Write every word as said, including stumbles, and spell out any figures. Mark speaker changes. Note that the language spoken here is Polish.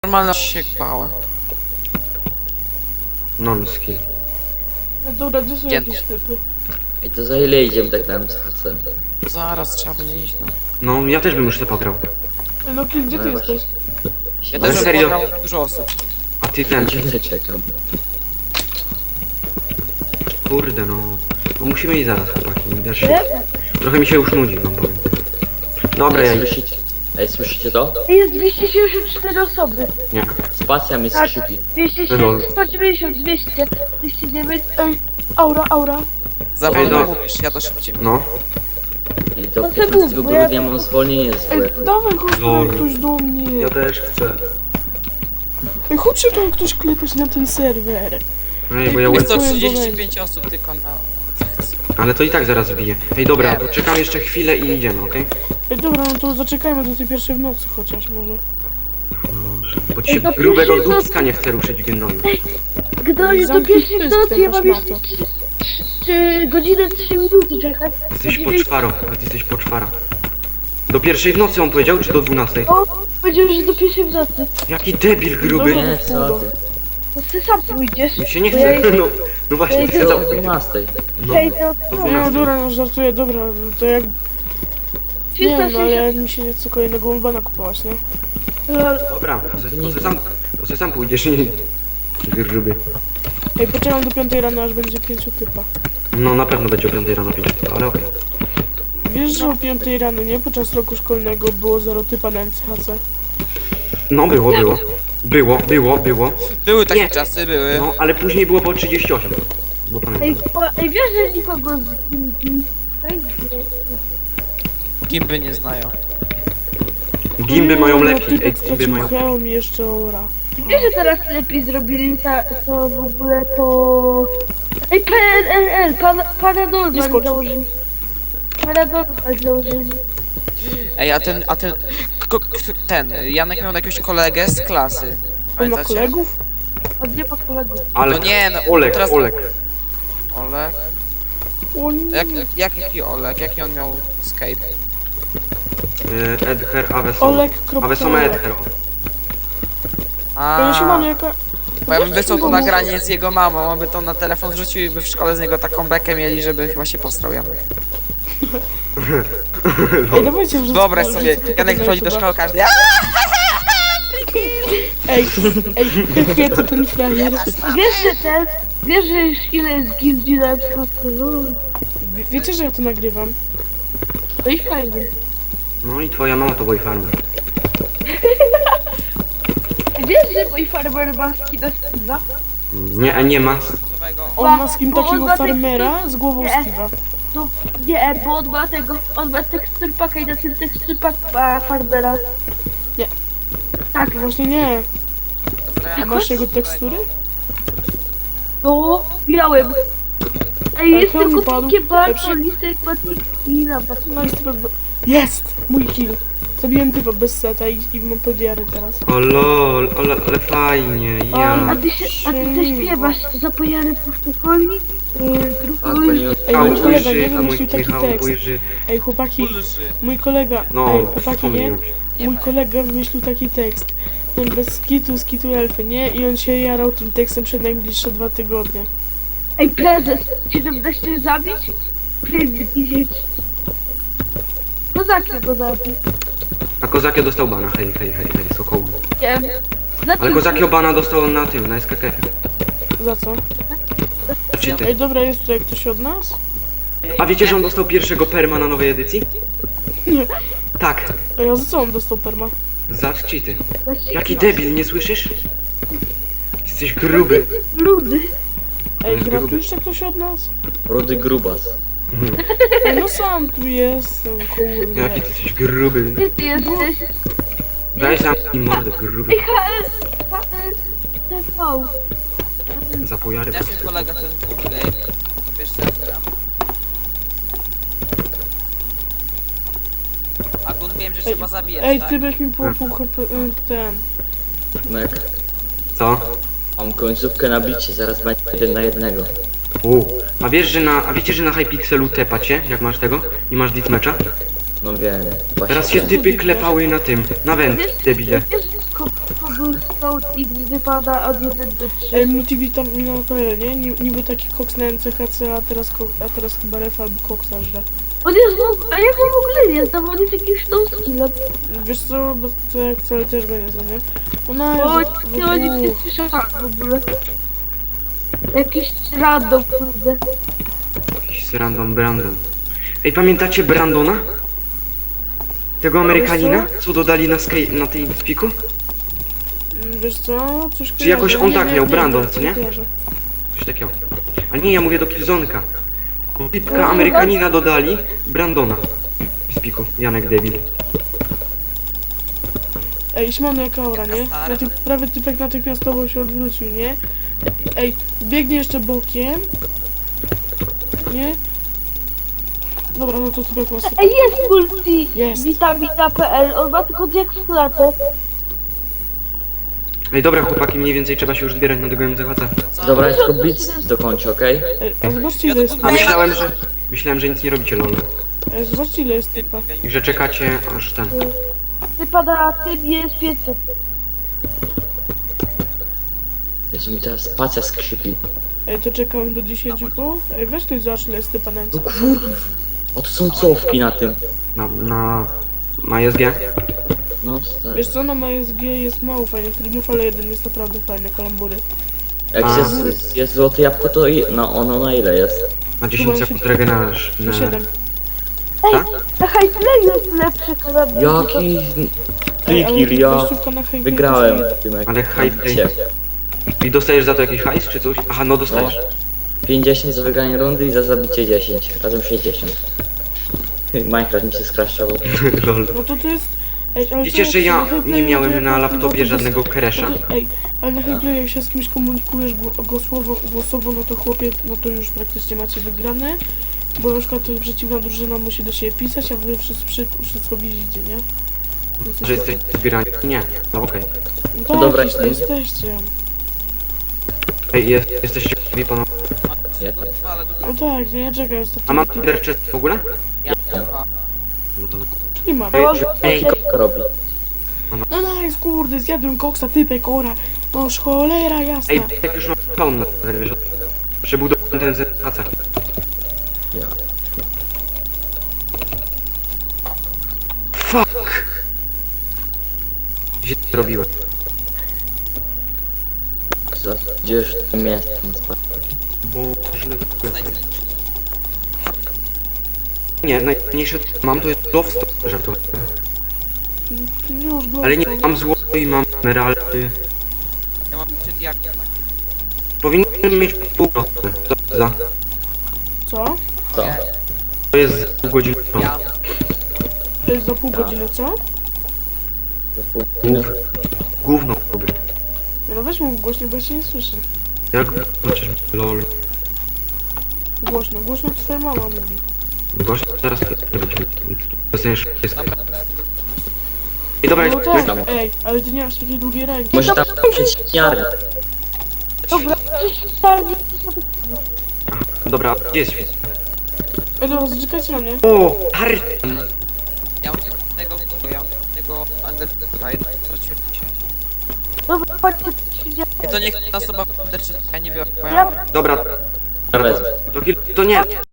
Speaker 1: Normalna się bałem.
Speaker 2: Non-skill.
Speaker 3: No dobra, gdzie są
Speaker 1: Dzięki.
Speaker 3: jakieś typy?
Speaker 4: I to za ile idziemy tak na M C H C?
Speaker 1: Zaraz trzeba będzie iść, no.
Speaker 2: No, ja też bym już to pograł.
Speaker 3: Ej, no Kill, gdzie
Speaker 4: No
Speaker 3: ty
Speaker 4: właśnie.
Speaker 3: jesteś?
Speaker 1: Ja
Speaker 2: Ale
Speaker 1: też bym
Speaker 2: serio?
Speaker 1: pograł dużo osób.
Speaker 2: A ty ten,
Speaker 4: Godzinę czekam.
Speaker 2: kurde no. No musimy iść zaraz, chłopaki. Też się... Trochę mi się już nudzi, wam powiem. Dobra, ja
Speaker 4: Ej,
Speaker 2: idę.
Speaker 4: słyszycie? Ej, słyszycie to?
Speaker 5: Jest dwieście siedemdziesiąt cztery osoby.
Speaker 2: Nie.
Speaker 4: Spacja mnie
Speaker 5: Tak.
Speaker 4: skrzypi.
Speaker 5: dwieście siedemdziesiąt, sto dziewięćdziesiąt, dwieście, dwieście dziewięć.
Speaker 3: Ej, aura, aura.
Speaker 1: Za
Speaker 2: Ej,
Speaker 1: wolno
Speaker 2: no.
Speaker 1: mówisz, ja to szybciej.
Speaker 2: No.
Speaker 4: I do
Speaker 5: No to
Speaker 4: piętnastego
Speaker 5: mów, bo ja-
Speaker 4: grudnia mam zwolnienie z
Speaker 3: Ej,
Speaker 4: W F.
Speaker 3: dawaj, chodź
Speaker 2: Lol.
Speaker 3: tutaj ktoś do mnie.
Speaker 2: Ja też chcę.
Speaker 3: Ej, chodźcie tu ktoś klepać na ten serwer.
Speaker 2: Ej, bo ja
Speaker 1: Jest
Speaker 2: łeb...
Speaker 1: to trzydzieści pięć osób tylko na...
Speaker 2: Ale to i tak zaraz wbiję. Ej, dobra,
Speaker 1: Nie.
Speaker 2: to czekam jeszcze chwilę i idziemy, okej?
Speaker 3: Ej, dobra, no to zaczekajmy do tej pierwszej w nocy chociaż może.
Speaker 2: Dobrze. Bo ci
Speaker 5: Ej, to
Speaker 2: grubego
Speaker 5: pierwszy
Speaker 2: dupska nie chce ruszyć w gnoju.
Speaker 5: Gdy do
Speaker 3: Zamknij
Speaker 5: pierwszej
Speaker 3: pysk,
Speaker 5: nocy ja mam
Speaker 3: ten
Speaker 5: jeszcze trzy- trzy- godzinę trzy minuty czekać.
Speaker 2: Jesteś
Speaker 5: Godzinę-
Speaker 2: poczwaro, a ty jesteś poczwara. Do pierwszej w nocy on powiedział, czy do dwunastej?
Speaker 5: O, powiedział, że do pierwszej w nocy.
Speaker 2: Jaki debil gruby.
Speaker 3: Dobra.
Speaker 4: Nie, co ty?
Speaker 5: To ty sam pójdziesz.
Speaker 2: Mi się nie
Speaker 5: Bo ja
Speaker 2: chce. No, no właśnie,
Speaker 5: Ja
Speaker 2: chcę
Speaker 5: idę-
Speaker 4: Co
Speaker 2: za...
Speaker 4: o dwunastej?
Speaker 2: No,
Speaker 5: przejdę od
Speaker 2: do
Speaker 5: strony.
Speaker 3: Nie, no
Speaker 2: dwunastej.
Speaker 3: dobra, no żartuję, dobra, no to jak... Nie wiem, no, ale
Speaker 5: trzysta
Speaker 3: mi się nie chce kolejnego Umbana kupować, nie?
Speaker 5: sześćdziesiąt.
Speaker 2: Dobra, to se, to se sam, to se sam pójdziesz i... Gruby.
Speaker 3: Ej, poczekam do piątej rano, aż będzie pięciu typa.
Speaker 2: No na pewno będzie o piątej rano pięć, ale okej.
Speaker 3: Wiesz, że o piątej rano, nie? Podczas roku szkolnego było zero typa na M C H C.
Speaker 2: No było, było. Było, było, było.
Speaker 1: Były takie
Speaker 2: Nie.
Speaker 1: czasy, były.
Speaker 2: No, ale później było po trzydzieści osiem. Bo
Speaker 5: Ej,
Speaker 2: pamiętam.
Speaker 5: o, ej, wiesz, że nikogo z kim...
Speaker 1: Gimby nie znają.
Speaker 2: Gimby mają
Speaker 3: No,
Speaker 2: lepiej, ej,
Speaker 3: typek
Speaker 2: gimby
Speaker 3: stracił
Speaker 2: mają...
Speaker 3: hełm i jeszcze ora.
Speaker 5: Wiesz, że teraz lepiej zrobili ta, to w ogóle to... Ej, P N L L, pan, Paradol
Speaker 3: Nie skocz.
Speaker 5: założyli. Paradol założyli.
Speaker 1: Ej, a ten, a ten... K k ten, Janek miał jakiegoś kolegę z klasy.
Speaker 3: On ma
Speaker 1: Pamiętacie?
Speaker 3: kolegów?
Speaker 5: Od nie pod kolegów.
Speaker 2: Ale...
Speaker 1: No nie, no,
Speaker 2: Olek,
Speaker 1: teraz-
Speaker 2: Olek.
Speaker 1: Olek?
Speaker 3: O nie.
Speaker 1: Jak, jak, jaki Olek? Jaki on miał Skype?
Speaker 2: Y, Edher Avesoma.
Speaker 3: Olek.
Speaker 2: Avesoma Edher. o.
Speaker 3: Ja się
Speaker 1: A,
Speaker 3: mam jaka...
Speaker 1: bo ja bym wysłał to nagranie z jego mamą, on by to na telefon wrzucił i by w szkole z niego taką bekę mieli, żeby chyba się postrał Janek.
Speaker 3: Ej, dawajcie wrzucę.
Speaker 1: Wyobraź
Speaker 3: wrzucę
Speaker 1: sobie,
Speaker 3: to
Speaker 1: Janek
Speaker 3: na
Speaker 1: wchodzi do
Speaker 3: YouTube'a.
Speaker 1: szkoły, każdy... "A!"
Speaker 3: Ej, ej, hehe, to ten frajer.
Speaker 5: Wiesz, że ten... Wiesz, że już ile jest gildii na przykład kolor.
Speaker 3: Wie- Wiecie, że ja to nagrywam?
Speaker 5: No i fajnie.
Speaker 2: No i twoja mama to boyfarmer.
Speaker 5: Wiesz, że mój farmer ma skina Steve'a?
Speaker 2: Nie, nie ma.
Speaker 3: On ma skin
Speaker 5: Bo on
Speaker 3: takiego
Speaker 5: ma tekst-
Speaker 3: farmera z głową
Speaker 5: Nie.
Speaker 3: Steve'a.
Speaker 5: No nie, bo on ma tego... On ma teksturpaka i na tym teksturpak ma farmera.
Speaker 3: Nie.
Speaker 5: Tak,
Speaker 3: Właśnie nie. A masz jego tekstury?
Speaker 5: no, miałem. Ej,
Speaker 3: Ale
Speaker 5: jest
Speaker 3: hełm
Speaker 5: tylko
Speaker 3: padł.
Speaker 5: takie bardzo
Speaker 3: Lepszy.
Speaker 5: lisek ma skina.
Speaker 3: No jest typek... Jest! Mój kill. Zabiłem typa bez seta i, i mam podiary teraz.
Speaker 2: O lol, ale, ale fajnie,
Speaker 5: A
Speaker 2: ja.
Speaker 5: ty się, a ty coś śpiewasz, zapojany puszczokoli, yy,
Speaker 4: A,
Speaker 5: grupuj.
Speaker 4: pani od...
Speaker 3: Ej,
Speaker 2: Michał
Speaker 3: mój kolega
Speaker 2: ujrzy,
Speaker 3: nie
Speaker 2: a mój
Speaker 3: wymyślił taki
Speaker 2: Michał
Speaker 3: tekst.
Speaker 2: ujrzy.
Speaker 3: Ej, chłopaki, mój kolega...
Speaker 2: No,
Speaker 3: Ej, chłopaki, nie?
Speaker 2: wspomniałem się.
Speaker 3: Mój kolega wymyślił taki tekst. Ten bez skitu, skitu elfy, nie? I on się jarał tym tekstem przez najbliższe dwa tygodnie.
Speaker 5: Ej, prezes, siedemnaście zabić? Prezes idzieć. No za kim go zabić?
Speaker 2: A Kozakio dostał bana, hej, hej, hej, hej, sokołu.
Speaker 5: Nie wiem. Znaczy,
Speaker 2: Ale Kozakio bana dostał na tym, na S K K F.
Speaker 3: Za co?
Speaker 2: Cheaty.
Speaker 3: Ej, dobra, jest tutaj ktoś od nas?
Speaker 2: A wiecie, że on dostał pierwszego perma na nowej edycji?
Speaker 3: Nie.
Speaker 2: Tak,
Speaker 3: Ej, a za co on dostał perma?
Speaker 2: za cheaty.
Speaker 5: znaczy,
Speaker 2: Jaki debil, nie słyszysz? Jesteś gruby.
Speaker 5: Ludy.
Speaker 3: Ej,
Speaker 2: Jest
Speaker 3: gra tu
Speaker 2: gruby.
Speaker 3: jeszcze ktoś od nas?
Speaker 4: Rudy Grubas.
Speaker 3: Ej, no sam tu jestem, kurde.
Speaker 2: Jaki ty jesteś gruby.
Speaker 5: Gdzie ty jesteś?
Speaker 2: Daj sam i mordę, gruby.
Speaker 5: H S, H S, T V.
Speaker 2: Za pojary.
Speaker 1: Jak się kolega ten Good Game? To wiesz co ja gram. A Gun wiem, że
Speaker 3: Ej,
Speaker 1: trzeba zabijać,
Speaker 3: Ej,
Speaker 1: tak?
Speaker 3: ty byś mi po pół H P, y, ten.
Speaker 4: Mek.
Speaker 2: Co?
Speaker 4: Mam końcówkę na bicie, zaraz będzie jeden na jednego.
Speaker 2: U. A wiesz, że na, a wiecie, że na Hypixelu tepacie, jak masz tego? I masz deathmatcha?
Speaker 4: No wiem. Właśnie
Speaker 2: Teraz się
Speaker 4: wiem.
Speaker 2: typy klepały na tym, na węd, debile.
Speaker 5: Wiesz, ko- kogo był scout i mi wypada od jeden do trzy.
Speaker 3: Ej, multivitaminowy P L, nie? Ni- Niby taki koks na M C H C, a teraz, ko- a teraz chyba ref albo koksa żre.
Speaker 5: On jest, w- a jak on w ogóle jest? Tam on jest jakimś tą skillem.
Speaker 3: Wiesz co, bo to jak wcale też go nie znam, nie? Ona
Speaker 5: Bo
Speaker 3: jest
Speaker 5: nie, o nim nie
Speaker 3: w
Speaker 5: słyszałam w ogóle. Jakiś random, kurde.
Speaker 2: Jakiś random Brandon. Ej, pamiętacie Brandona? Tego Amerykanina, co dodali na, sky, na tym spiku?
Speaker 3: Mm, Wiesz co, coś
Speaker 2: Czy jakoś
Speaker 3: kojarzę.
Speaker 2: on
Speaker 3: Nie,
Speaker 2: tak
Speaker 3: nie,
Speaker 2: miał,
Speaker 3: nie,
Speaker 2: Brandon,
Speaker 3: nie,
Speaker 2: co nie?
Speaker 3: kojarzę.
Speaker 2: Coś takiego. A nie, ja mówię do Killzonka. Typka Amerykanina dodali Brandona. W spiku, Janek debil.
Speaker 3: Ej, Śmano jak aura, nie?
Speaker 1: Stary.
Speaker 3: Natych- prawie typek natychmiastowo się odwrócił, nie? Ej, biegnie jeszcze bokiem. Nie? Dobra, no to typek ma sypa.
Speaker 5: Ej, jest multi
Speaker 3: Jest.
Speaker 5: witamina P L, on ma tylko jak w klatę.
Speaker 2: Ej, dobra chłopaki, mniej więcej trzeba się już zbierać na tego M C H C.
Speaker 4: Dobra, ja tylko blitz dokończę, okej?
Speaker 3: Ej, a zobaczcie ile jest
Speaker 2: A
Speaker 3: typa.
Speaker 2: myślałem, że... Myślałem, że nic nie robicie, lol.
Speaker 3: Ej, zobaczcie ile jest typa.
Speaker 2: I że czekacie aż ten...
Speaker 5: Wypada tym jest pięćset.
Speaker 4: Jezu, mi teraz spacja skrzypi.
Speaker 3: Ej, to czekamy do dziesięciu po? Ej, weź ktoś zobacz ile jest typa na M C.
Speaker 4: No kurwa. O, to są cofki na tym.
Speaker 2: Na... na... na S G.
Speaker 4: No, stary.
Speaker 3: Wiesz co, na M S G jest mało fajnych trybów, ale jeden jest naprawdę fajny, kalambury.
Speaker 4: Jak
Speaker 2: A.
Speaker 4: jest, jest złote jabłko, to i, no ono na ile jest?
Speaker 2: Na dziesięć sekund regenerasz.
Speaker 3: Na siedem.
Speaker 5: Na Highplay jest lepszy karabin.
Speaker 4: Jaki...
Speaker 3: Ej, ale
Speaker 4: Free ja
Speaker 3: wejściówka na Highway
Speaker 4: wygrałem
Speaker 3: to jest
Speaker 4: w tym jak
Speaker 2: Ale high play.
Speaker 4: się.
Speaker 2: I dostajesz za to jakiś hajs czy coś? Aha, no dostajesz.
Speaker 4: pięćdziesiąt za wygranie rundy i za zabicie dziesięć. Razem sześćdziesiąt. Minecraft mi się skraszczował.
Speaker 2: Lol.
Speaker 3: No to to jest... Ej, ale
Speaker 2: Wiecie,
Speaker 3: to
Speaker 2: że
Speaker 3: jak
Speaker 2: ja
Speaker 3: na Highplayu,
Speaker 2: nie
Speaker 3: to
Speaker 2: miałem
Speaker 3: jak
Speaker 2: na
Speaker 3: no to
Speaker 2: laptopie
Speaker 3: bez-
Speaker 2: żadnego
Speaker 3: no
Speaker 2: crasha?
Speaker 3: to- Ej, ale na Highplayu jak się z kimś komunikujesz gło- głosowo, głosowo, no to chłopie, no to już praktycznie macie wygrane. Bo na przykład to przeciwna drużyna musi do siebie pisać, a wy wszyscy, przy- wszystko widzicie, nie? Więc to
Speaker 2: Że
Speaker 3: się-
Speaker 2: jesteś zbierani? Nie. No okej.
Speaker 3: No tak,
Speaker 4: Dobra,
Speaker 3: już
Speaker 4: jestem.
Speaker 3: jesteście.
Speaker 2: Ej, jest, jesteście gotowi panowie?
Speaker 4: Ja,
Speaker 3: No tak, nie, ja czekaj, ostatnio.
Speaker 2: A mam Ender Chest w ogóle?
Speaker 1: Ja,
Speaker 2: No to...
Speaker 3: Czyli mam.
Speaker 2: Ej,
Speaker 4: ej, co robi?
Speaker 3: No nice, kurde, zjadłem koksa, typek, ora. No cholera jasna.
Speaker 2: Ej, jak już mam spawn na serwerze, wiesz? Przebudowałem ten Z H C.
Speaker 4: Ja.
Speaker 2: Fuck! Źle zrobiłem.
Speaker 4: Za- Gdzież to miasto?
Speaker 2: Bo źle zrobiłem. Nie, najmniejsze co mam to jest love żartuję.
Speaker 3: Już go.
Speaker 2: Ale nie, mam złoto i mam emeraldy.
Speaker 1: ja mam przed jak.
Speaker 2: Powinienem mieć pół procent. Co za?
Speaker 3: Co?
Speaker 4: Co?
Speaker 2: To jest za pół godziny.
Speaker 1: Ja.
Speaker 3: To jest za pół godziny, co?
Speaker 2: Gów. Gówno robię.
Speaker 3: No weź mów głośno, bo ja cię nie słyszę.
Speaker 2: Jak zobaczysz, lol.
Speaker 3: Głośno, głośno to twoja mama mówi.
Speaker 2: Gość zaraz będziemy. Dostaniesz wszystko. I dobra,
Speaker 3: No
Speaker 2: jak
Speaker 3: tak,
Speaker 4: tam.
Speaker 3: ej, ale ty nie masz takiej długiej ręki.
Speaker 4: Może tam przeciwniarnia.
Speaker 5: Dobra, przecież starni
Speaker 2: dobra, gdzie jest świt?
Speaker 3: Ej, dobra, zaczekajcie na mnie.
Speaker 2: O, Harry!
Speaker 1: Ja mam tylko jednego, bo ja mam jednego Undertale, straciłem się.
Speaker 5: Dobra, chodźcie, przyjdzie.
Speaker 1: I to niech jedna osoba w Undertale, ja nie biorę, bo ja
Speaker 5: Ja
Speaker 2: Dobra,
Speaker 4: Wezmę.
Speaker 2: to, kil- to nie.